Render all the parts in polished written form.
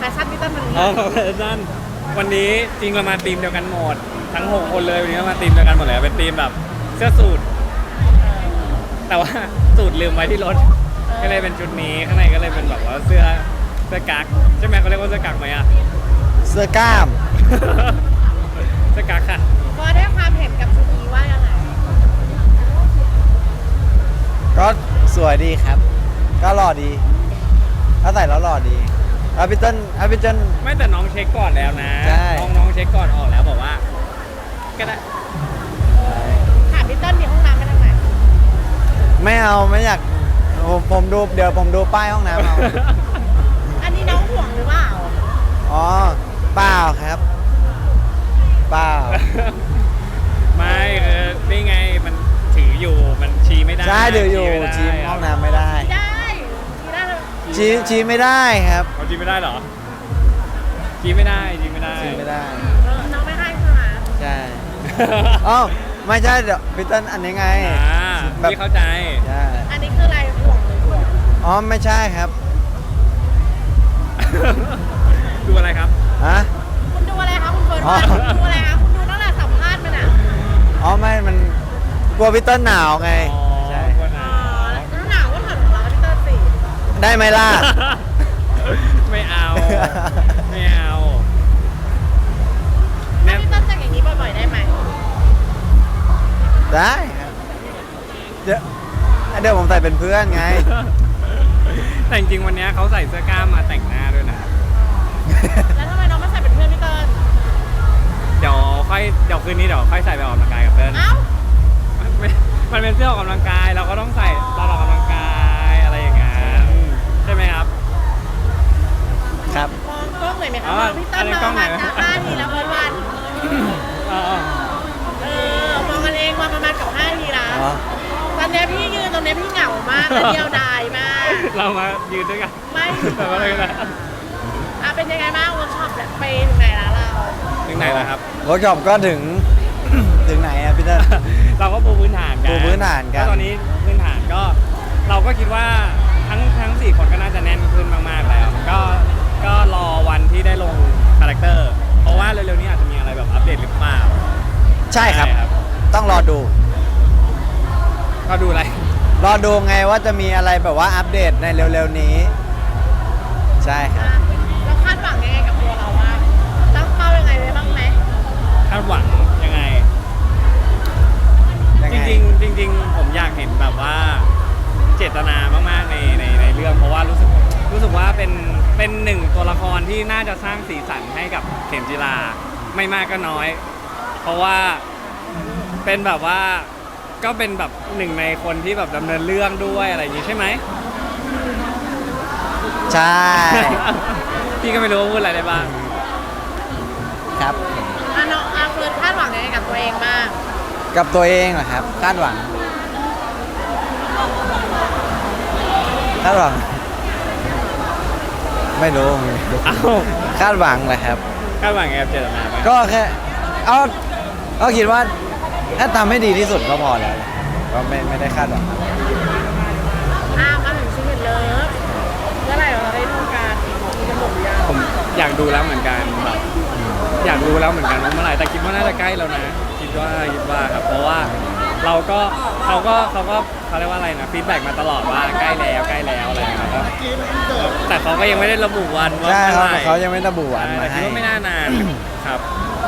ชั่นพี่ต้นวันนี้แฟชั่นวันนี้จริงเรามาทีมเดียวกันหมดทั้ง6คนเลยวันนี้เรามาทีมเดียวกันหมดเลยเป็นทีมแบบเสื้อสูทแต่ว่าสูทลืมไว้ที่รถก็เลยเป็นชุดนี้ข้างในก็เลยเป็นแบบว่าเสื้อกั๊กใช่ไหมเขาเรียกว่าเสื้อกั๊กไหมอะเสื้อกล้ามเสื้อกั๊กค่ะก็ได้ความเห็นกับชุดนี้ว่ายังไงก็สวยดีครับ ก็หล่อดีถ้าใส่แล้วหล่อดีพี่เติ้ลไม่แต่น้องเช็คก่อนแล้วนะใช่น้องเช็คก่อนออกแล้วบอกว่าก็ได้ถามพี่ต้นมีห้องน้ำกันทางไหนไม่เอาไม่อยากผมดูเดี๋ยวผมดูป้ายห้องน้ำเอาอันนี้น้องห่วงหรือเปล่าอ๋อเปล่าครับเปล่าไม่นี่ไงมันถืออยู่มันชี้ไม่ได้ใช่เดี๋ยวอยู่ไม่ได้ชี้ห้องน้ำไม่ได้ได้ที่ได้เลยชี้ไม่ได้ครับเขาชี้ไม่ได้เหรอชี้ไม่ได้ชี้ไม่ได้ชี้ไม่ได้น้องไม่ให้ใช่ไหมใช่อ๋อไม่ใช่เดี๋ยวพี่เติ้ลอันนี้ไง แบบพี่เข้าใจใช่อันนี้คืออะไรห่วงหรือห่วงอ๋อไม่ใช่ครับดูอะไรครับฮะคุณดูอะไรคะคุณเฟิร์นอ๋อคุณดูอะไรคะคุณดูตั้งแต่สัมภาษณ์มันอ่ะอ๋อไม่มันกลัวพี่เติ้ลหนาวไงอ๋อใช่คนหอ๋นาอแล้วหนาวก็ถอดของเราพี่เตอร์สิได้ไหมล่ะไม่เอาไม่เอาถ้าเนี่ยพี่เตอร์จะอย่างนี้บ่อยๆได้ไหมได้ครับเดี๋ยวผมใส่เป็นเพื่อนไงแต่จริงๆวันนี้เขาใส่เสื้อกล้ามมาแต่งหน้าด้วยนะแล้วทำไมน้องไม่ใส่เป็นเพื่อนพี่เตอร์เดี๋ยวคืนนี้เดี๋ยวค่อยใส่ไปออกกำลังกายกับเติ้ลเอ้ามันเป็นเสื้อออกกำลังกายเราก็ต้องใส่ตอนออกกำลังกายอะไรอย่างเงี้ยใช่ไหมครับครับมองกล้องหน่อยไหมคะอ๋อมองพี่เตอร์อันนี้มกล้ออง งไหนมา5 ทีแล้วเฟิร์นวันอ๋อมองกันเองมาประมาณกับ5 ทีแล้วอ๋อตอนเนี้ยพี่ยืนตรงเนี้ยพี่เหงามากและเดียวดายมากเรามายืนด้วยกันไม่แต่ว่าอะไรกันนะเป็นยังไงบ้างเวิร์กช็อปเนี่ยไปถึงไหนแล้วเราถึงไหนแล้วครับเวิร์กช็อปก็ถึง ถึงไหนอะพี่เติ้ลเราก็ปูพื้นฐานกันปูพื้นฐานกันแล้วตอนนี้พื้นฐานก็เราก็คิดว่าทั้ง4 คนก็น่าจะแน่นขึ้นมากๆแล้วก็รอวันที่ได้ลงคาแรคเตอร์เพราะว่าเร็วๆนี้อาจจะมีอะไรแบบอัปเดตหรือเปล่าใช่ครับ ต้องรอดูก็ดูอะไรรอดูไงว่าจะมีอะไรแบบว่าอัปเดตในเร็วๆนี้ ใช่ครับเราคาดหวังยังไงกับตัวเราบ้างตั้งเป้ายังไงไว้บ้างไหมคาดหวังยังไงยังจไงริงๆผมอยากเห็นแบบว่าเจตนามากๆในเรื่องเพราะว่ารู้สึกว่าเป็นหนึ่งตัวละครที่น่าจะสร้างสีสันให้กับเข็มจีราไม่มากก็น้อย เพราะว่าเป็นแบบว่าก็เป็นแบบหนึ่งในคนที่แบบดำเนินเรื่องด้วยอะไรอย่างนี้ใช่ไหมใช่พี่ก็ไม่รู้ว่าพูดอะไรได้บ้างครับน้องเฟิร์นคาดหวังยังไงกับตัวเองบ้างกับตัวเองเหรอครับ คาดหวัง คาดหวัง ไม่รู้เอ้าคาดหวังแหละครับคาดหวังไงกับเจตนาไหมก็แค่เอาก็คิดว่าถ้าทำให้ดีที่สุดก็พอแล้วก็ไม่ได้คาดหวังอะไรมาถึงซีเมนเลิฟเมื่อไหร่เราได้ดูการมีกำหนดหรือยังผมอยากดูแล้วเหมือนกันแบบอยากรู้แล้วเหมือนกันว่าเมื่อไหร่แต่คิดว่าน่าจะใกล้แล้วนะคิดว่าครับเพราะว่าเขาเรียกว่าอะไรนะฟีดแบ็กมาตลอดว่าใกล้แล้วอะไรอย่างเงี้ยครับแต่เขาก็ยังไม่ได้ระบุวันว่าใช่เมื่อครับไหร่เขายังไม่ระบุวันแต่มาคิดให้ว่าไม่น่านานครับ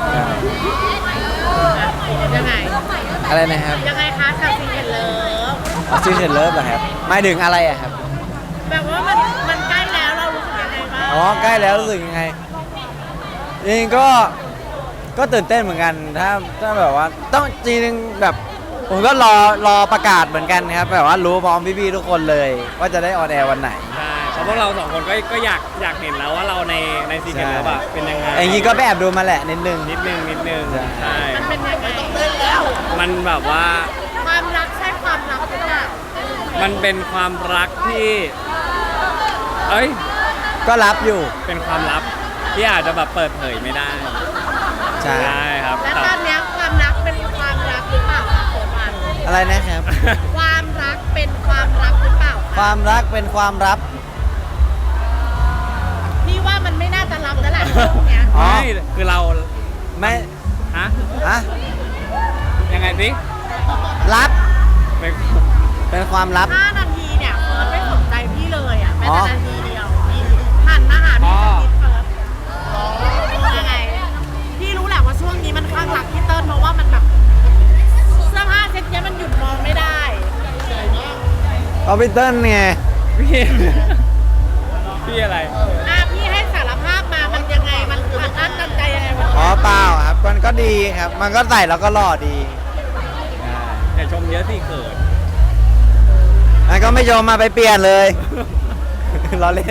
ยังไงอะไรนะครับยังไงคะกับซีเมนเลิฟซีเห็นเลิฟเหรอครับหมายถึงอะไรอะครับแบบว่ามันใกล้แล้วเรารู้สึกยังไงบ้างอ๋อใกล้แล้วรู้สึกยังไงจริงๆก็ตื่นเต้นเหมือนกันถ้าแบบว่าต้องจริงๆแบบผมก็รอประกาศเหมือนกันครับแบบว่ารู้พร้อมพี่ๆทุกคนเลย ว่าจะได้ออนแอร์วันไหนใช่เพราะพวกเรา2 คนก็อยากเห็นแล้วว่าเราในซีเกมแล้วแบบเป็นยังไงอย่างนี้ก็ไปแอบดูมาแหละนิดนึงนิดนึงใช่ใช่มันเป็นยังไงต้องเล่นแล้วมันแบบว่าความรักใช่ความรักหรือเปล่ามันเป็นความรักที่เอ้ยก็รับอยู่เป็นความลับที่อาจจะแบบเปิดเผยไม่ได้ใช่ใช่ครับและตอนเนี้ยความรักเป็นความรักหรือเปล่าคะเฟิร์นวันอะไรนะครับความรักเป็นความรักหรือเปล่าความรักเป็นความลับพี่ว่ามันไม่น่าจะรับแล้วแหละช่วงเนี้ยอ๋อไม่คือเราไม่ฮะอะยังไงสิลับไปเป็นความลับ 5 นาทีเนี่ยเฟิร์สไม่สนใจพี่เลยอ่ะแม้อ๋อแต่นาทีเดียวพี่หันมาหาพี่สักนิดเฟิร์สยังไงพี่รู้แหละว่าช่วงนี้มันข้างหลักพี่เติ้ลเพราะว่ามันแบบเสื้อผ้าเซ็ตเนี้ยมันหยุดมองไม่ได้เอาไปเติ้ลไงพี่พี่อะไรพี่ให้สารภาพมามันยังไงมันอัดอั้นตันใจยังไงมันอ๋อเปล่าครับมันก็ดีครับ มันก็ใส่แล้วก็หล่อดีอย่าชมเยอะสิเขินมันก็ไม่ยอมมาไปเปลี่ยนเลย ล้อเล่น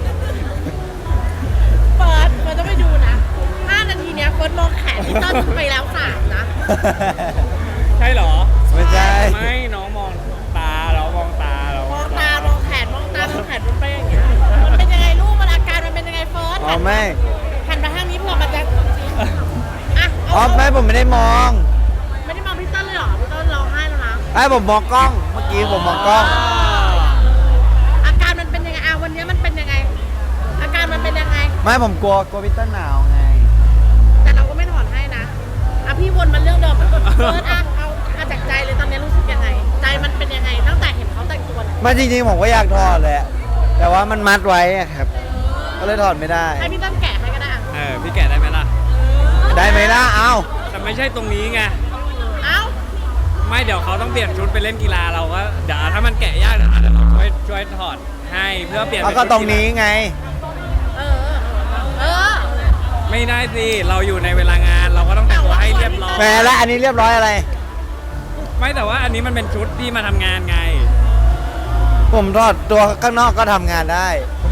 เฟิร์สต้องไปดูนะ5 นาทีเนี้ยเฟิร์สมองแขนพี่เติ้ลไปแล้ว3นะใช่เหรอไม่ใช่ไม่น้องมองตาเรามองตาเรามองตามองแขนมองตามองแขนมันไปอย่างเงี้ยมันเป็นยังไงลูกมันอาการมันเป็นยังไงเฟิร์สอ๋อไม่หันมาทางนี้เผื่อมันจะอ่ะอ๋อไม่ผมไม่ได้มองไม่ได้มองพี่เติ้ลเลยเหรอพี่เติ้ลร้องไห้แล้วนะไอ้ผมมองกล้อง เมื่อกี้ผมมองกล้องอาการมันเป็นยังไงวันนี้มันเป็นยังไง อาการมันเป็นยังไงไม่ผมกลัวพี่เติ้ลหนาวไงแต่เราก็ไม่ถอนให้นะพี่วนมาเรื่องเดิมเฟิร์สเอาจากใจเลยตอนนี้รู้สึกยังไง ใจมันเป็นยังไงตั้งแต่เห็นเขาแต่งตัวเนี่ยไมาจริงๆผมก็อยากถอดแหละ แต่ว่ามันมัดไว้อะครับ ก็เลยถอดไม่ได้ให้พี่เติ้ลแกะให้ก็ได้อะพี่แกะได้ไหมล่ะได้ไหมล่ะ เอ้าแต่ไม่ใช่ตรงนี้ไงเอ้าไม่เดี๋ยวเขาต้องเปลี่ยนชุดไปเล่นกีฬาเราก็เดี๋ยวถ้ามันแกะยากเดี๋ยวเราช่วยถอดให้เพื่อเปลี่ยนเอาเป็นก็ชุดตรงนี้ไงเออเออไม่ได้สิเราอยู่ในเวลางานเราก็ต้องแต่งตัวให้เรียบร้อยแหมแล้วอันนี้เรียบร้อยอะไรไม่แต่ว่าอันนี้มันเป็นชุดที่มาทำงานไงผมถอดตัวข้างนอกก็ทำงานได้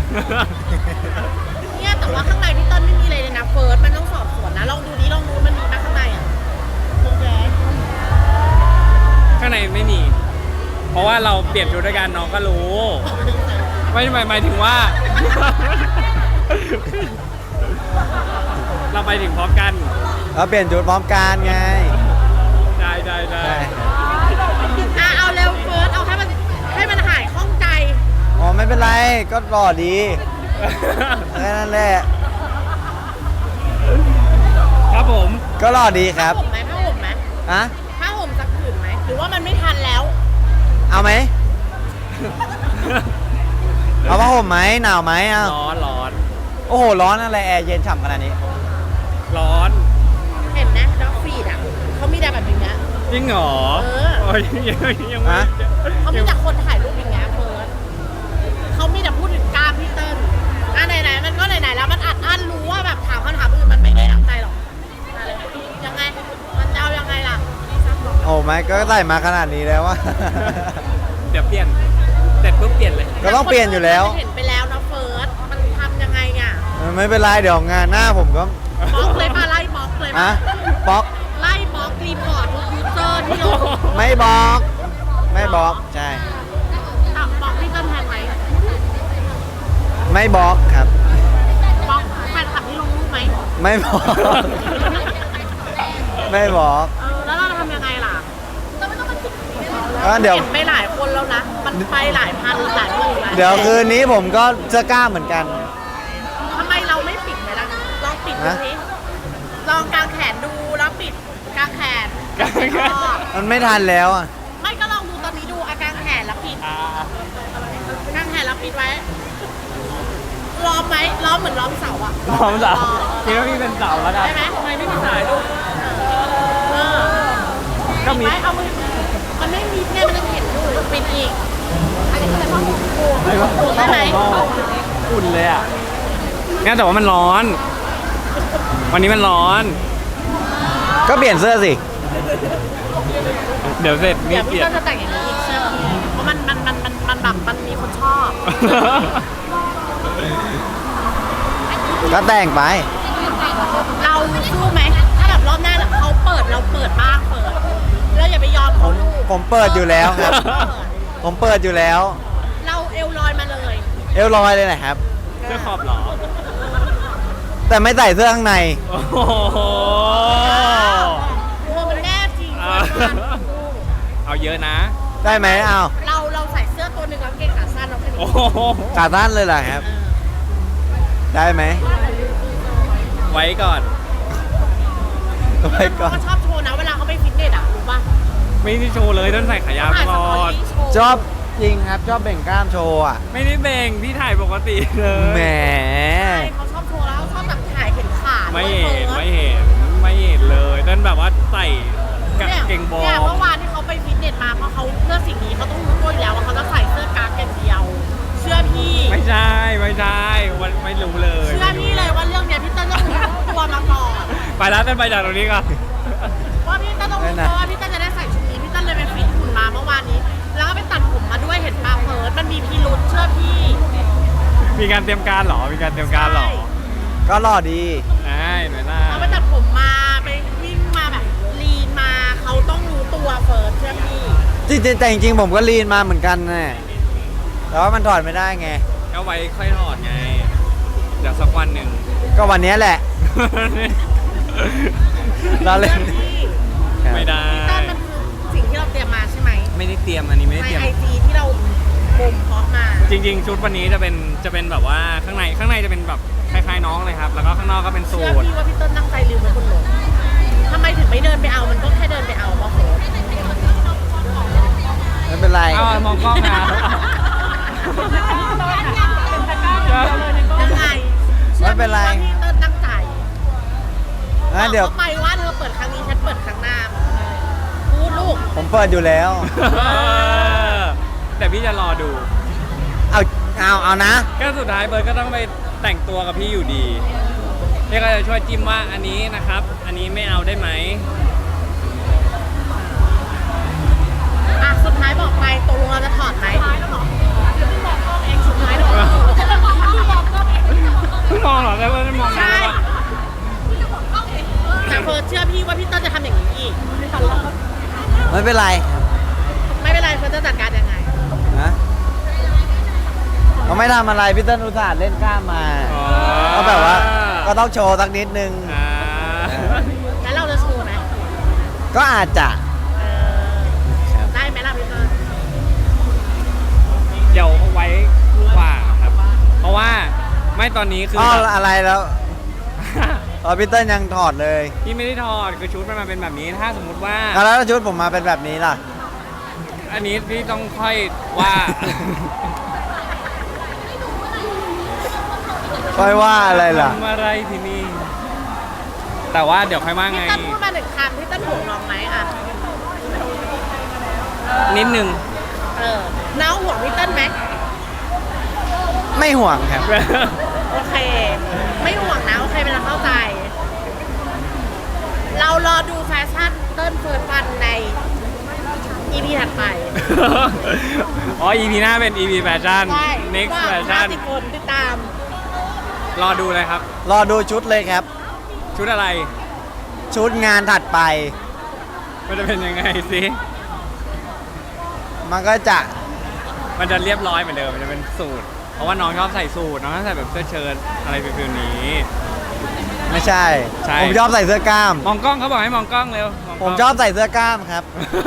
เนี่ยแต่ว่าข้างในพี่เติ้ลไม่มีอะไรเลยนะเฟิร์สมันต้องสอบสวนนะลองดูดิลองดูมันมีไหมข้างในอ่ะโอเคข้างในไม่มี เพราะว่าเราเปลี่ยนชุดด้วยกันน้องก็รู้ ไม่หมายถึงว่า เราไปถึงพร้อมกันเราเปลี่ยนชุดพร้อมกันไงได้ใช่เอาเร็วเฟิร์สเอาให้มันหายข้องใจอ๋อไม่เป็นไรก็หล่อดีแค่นั้นแหละครับผมก็หล่อดีครับผ้าห่มไหมอะผ้าห่มสักผืนไหมหรือว่ามันไม่ทันแล้วเอาไหม เอาผ้าห่มไหมหนาวไหมอ่ะร้อนโอ้โหร้อนอะไรแอร์เย็นฉ่ำขนาดนี้ร้อนเห็นนะด็อกฟีดอ่ะเขามีแต่แบบอย่างเงี้ยจริงเหรอเออโอ้ยยังไม่ฮะเขามีแต่คนถ่ายรูปอย่างเงี้ยเฟิร์สเขามีแต่พูดถึงกล้ามพี่เติ้ลไหนๆมันก็ไหนๆแล้วมันอัดอั้นรู้ว่าแบบถามคำถามอื่นมันไม่ได้ตั้งใจหรอกมาเลยยังไงมันจะเอายังไงล่ะโอ้ไม่ก็ใส่มาขนาดนี้แล้วว่าเดี๋ยวเปลี่ยนเสร็จปุ๊บเปลี่ยนเลยก็ต้องเปลี่ยนอยู่แล้วเห็นไปแล้วนะเฟิร์สมันทำยังไงอ่ะไม่เป็นไรเดี๋ยวงานหน้าผมก็บล็อกเลยมาไล่บล็อกเลยอะมาบล็อกไล่บล็อกรีพอร์ตทุกยูเซอร์ที่ลงไม่บล็อก ไม่บล็อกใช่บล็อกพี่เติ้ลแทนไหมไม่บล็อกครับบล็อกแฟนคลับที่ลงรูปไหมไม่บล็อก ไม่บล็อกแล้วเราทำยังไงล่ะก็เดี๋ยวเห็นไปหลายคนแล้วนะ มันไปหลายพันหลายหมื่นหลายเดี๋ยวคืนนี้ผมก็จะกล้าเหมือนกันทำไมเราไม่ปิดไปล่ะลองปิดดูฮะสิลองกางแขนดูแล้วปิดกางแขนมันไม่ทันแล้วอ่ะไม่ก็ลองดูตอนนี้ดูอากางแขนแล้วปิดอ่ากางแขนแล้วปิดไว้ล้อมไหมล้อมเหมือนล้อมเสาอะพร้อมสาวคิดว่าพี่เป็นสาวแล้วกันได้ไหมทำไมไม่มีสายลูกก็มีปิดไว้เอามือมันไม่มีเนี่ยมันจะเห็นอยู่ปิดอีกอันนี้ก็เลยต้องปูถ้าได้ผไหมมอุ่นเลยอ่ะงั้นแต่ว่ามันร้อน วันนี้มันร้อนก็เปลี่ยนเสื้อสิเดี๋ยวเสร็จเดี๋นี่ยวเปพี่ลี่ยนก็จะแต่งอย่างนี้อีกใช่ไหมเพราะมันแบบมันมีคนชอบก็แต่งไปเราสู้ไหมถ้าแบบรอบหน้าเขาเปิดเราเปิดบ้างเปิดแล้วอย่าไปยอมเขาลูกผมเปิดอยู่แล้วครับ ผมเปิดอยู่แล้วเราเอวลอยมาเลยเอวลอยเลยนะครับเสื้อขอบเหรอแต่ไม่ใส่เสื้อข้างในโอ้โหกลัวมันแน่จริงอ่าเอาเยอะนะได้ไหมเอาเราใส่เสื้อตัวหนึ่งแล้วเกงขาสั้นเราแค่นี้โอ้โหขาสั้นเลยเหรอครับ ได้ไหมไว้ก่อนไว้ก่อนเขาชอบโชว์นะเวลาเขาไปฟิตเนสอ่ะรู้ป่ะไม่ได้โชว์เลยต้นใส่ขายาวตลอดชอบจริงครับชอบเบ่งกล้ามโชว์อ่ะไม่ได้เบ่งพี่ถ่ายปกติเลยแหมใช่เขาชอบโชว์แล้วชอบแบบถ่ายเห็นขาไม่ด้วยเห็นฟิร์สไม่เห็นไม่เห็นเลยต้นแบบว่าใส่กางเกงบอเนี่ยลเมื่อวานที่เขาไปฟิตเนสมาเพราะเขาเพื่อสิ่งนี้เขาต้องรู้ตัวอยู่แล้วว่าเขาจะใส่เสื้อกางอย่างเดียว เชื่อพี่ไม่ใช่ไม่ใช่วันไม่รู้เลยเชื่อพี่เลยว่าเรื่องเนี้ยพี่เต้นต้องรู้ตัวมาก่อนไปแล้วต้นไปจากตรงนี้ก่อนว่าพี่เต้นต้องรู้ตัวว่าพี่เต้นจะได้ใส่ชุดนี้พี่เต้นเลยไปฟิตหุ่นมาเมื่อวานนี้ แล้วก็ไปตัดผมมาด้วยเห็นปาเพิร์ดมันมีพิรุษเชื่อพี่มีการเตรียมการเหรอมีการเตรียมการเหรอก็หล่อดีใช่หน่อยหน้าเขาไปตัดผมมาไปวิ่งมาแบบลีนมาเขาต้องรู้ตัวเฟิร์สเชื่อพี่จริงๆแต่จริงๆผมก็ลีนมาเหมือนกันนะแต่ว่ามันถอดไม่ได้ไงก็ไว้ค่อยถอดไงเดี๋ยวสักวันหนึ่งก็วันนี้แหละ เราเล่นชื่อพี่ไม่ได้พี่เต้นมันคือสิ่งที่เราเตรียมมาใช่ไหมไม่ได้เตรียมอันนี้ไม่ได้ในเตรียมไอจีที่เราบ่มเพาะมาจริงๆ ชุดวันนี้จะเป็นแบบว่าข้างในจะเป็นแบบคล้ายๆน้องเลยครับ แล้วก็ข้างนอกก็เป็นสูเชื่อทพี่ว่าพี่เต้นตั้งใจลืมไว้บนรถทำไมถึงไม่เดินไปเอามันก็แค่เดินไปเอาว่าโหไม่เป็นไรอ้าวมองกล้องนะยังไงไม่เป็นไรชื่อพี่ว่าพี่เต้นตั้งใจงั้นเดี๋ยวบอกขาไปว่าเธอเปิดครั้งนี้ฉันเปิดครั้งหน้าพูดลูกผมเปิดอยู่แล้วแต่พี่จะรอดูเอานะก็สุดท้ายเบิร์ดก็ต้องไปแต่งตัวกับพี่อยู่ดีพี่ก็จะช่วยจิ้มว่าอันนี้นะครับ อันนี้ไม่เอาได้ไหมอ่ะสุดท้ายบอกไปตกลงเราจะถอดไหมสุดท้ายแล้วหรอเองสุดท้ายหรอไม่มองหรอแล้วไม่มองใช่แต่เฟิร์สเชื่อพี่ว่าพี่เต้นจะทำอย่างนี้อีกไม่เป็นไรครับไม่เป็นไรเฟิร์สจะจัดการยังไงนะเขาไม่ทำอะไรพี่เต้นอุตส่าห์เล่นกล้ามมาอ๋อก็แบบว่าก็ต้องโชว์สักนิดนึงอ่าแล้วเราจะโชว์ไหมก็อาจจะเออได้ไหมล่ะพี่เฟิร์สเดี๋ยวเอาไว้กว่าครับ เพราะว่าไม่ตอนนี้คืออ๋อแบบอะไรแล้วพี่เต้นยังถอดเลยพี่ไม่ได้ถอดคือชุดมันมาเป็นแบบนี้ถ้าสมมุติว่าแล้วชุดผมมาเป็นแบบนี้ล่ะอันนี้พี่ต้องค่อยว่าค่อยว่าอะไรล่ะทำอะไรที่นี่ แต่ว่าเดี๋ยวค่อยว่าพี่ไงเต้นพูดมาหนึ่งคำพี่เต้นห่วงน้องไหมอ่ะนิดนึงเออน้องห่วงพี่เต้นไหมไม่ห่วงครับโอเค ไม่ห่วงนะโอเคเป็นเราเข้าใจ เรารอดูแฟชั่นเต้นเฟิร์สฟันใน EP ถัดไปอ๋อ EP หน้าเป็น EP แฟชั่นใช่ next ว่าแฟชั่น 50 คนติดตามรอดูเลยครับรอดูชุดเลยครับชุดอะไรชุดงานถัดไปมันจะเป็นยังไงสิมันก็จะมันจะเรียบร้อยเหมือนเดิม มันจะเป็นสูท เพราะว่าน้องชอบใส่สูท น้องชอบใส่แบบเสื้อเชิ้ตอะไรฟิลๆนี้ไม่ใช่ใช่ผมชอบใส่เสื้อกล้ามมองกล้องเขาบอกให้มองกล้องเร็วงกผล้มงชอบใส่เสื้อกล้ามครับ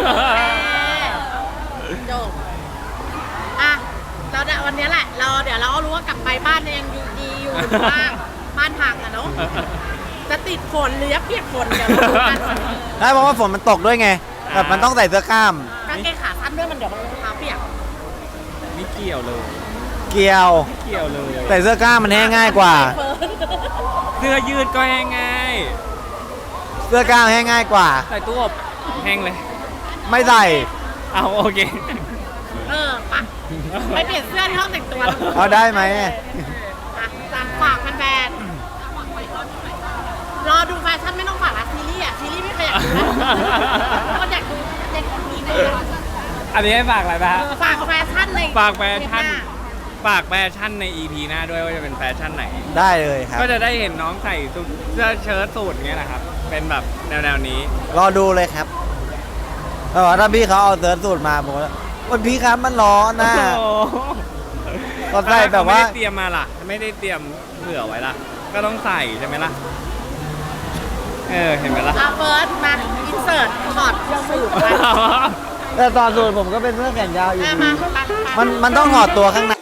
จบอ่ะเราเนี่ยวันนี้แหละ เดี๋ยวเราก็รู้ว่ากลับไปบ้านเนี่ยยังอยู่ดีอยู่หรือว่าบ้านพังอะเนาะ จะติดฝนหรือจะเปียกฝนเดี๋ยวเราดูกันได้เพราะว่าฝนมันตกด้วยไงแบบมันต้องใส่เสื้อกล้ามกางเกงขาสั้นด้วยมันเดี๋ยวมันรองเท้าเปียกไม่เกี่ยวเลยเกี่ยวไม่เกี่ยวเลยใส่เสื้อกล้ามมันแห้งง่ายกว่าเฟิร์นเสื้อยืดก็แห้งง่ายเสื้อกล้ามแห้งง่ายกว่าใส่ตู้อบแห้งเลยไม่ใส่เอาโอเคเออปะไปเปลี่ยนเสื้อที่ห้องแต่งตัวเอาได้ไหมอ่ะจังฝากแฟนๆรอดูแฟชั่นไม่ต้องฝากละซีรีส์อ่ะซีรีส์ไม่เคยอยากดูแล้วคนอยากดูเด็กคนนี้เลยอันนี้ให้ฝากอะไรนะฮะฝากแฟชั่นในฝากแฟชั่นเทปหาฝากแฟชั่นใน EP หน้าด้วยว่าจะเป็นแฟชั่นไหนได้เลยครับก็จะได้เห็นน้องใส่เสื้อเชิ้ตสูทอย่างเงี้ยนะครับ เป็นแบบแนวๆนี้รอดูเลยครับแต่ว่าถ้าพี่เขาเอาเสื้อสูทมาผมว่าวันพี่ครับมันร้อนนะโอ้โหก็ใส่แบบว่าไม่ได้เตรียมมาล่ะ ไม่ได้เตรียมเผื่อไว้ล่ะ ก็ต้องใส่ใช่ไหมล่ะ เห็นไหมล่ะอ่ะเฟิร์สมาอินเสิร์ตถอดสูทไปแต่ตอนสูทผมก็เป็นเสื้อแขนยาวอยู่อ่ะดีมามันต้องถอดตัวข้างใน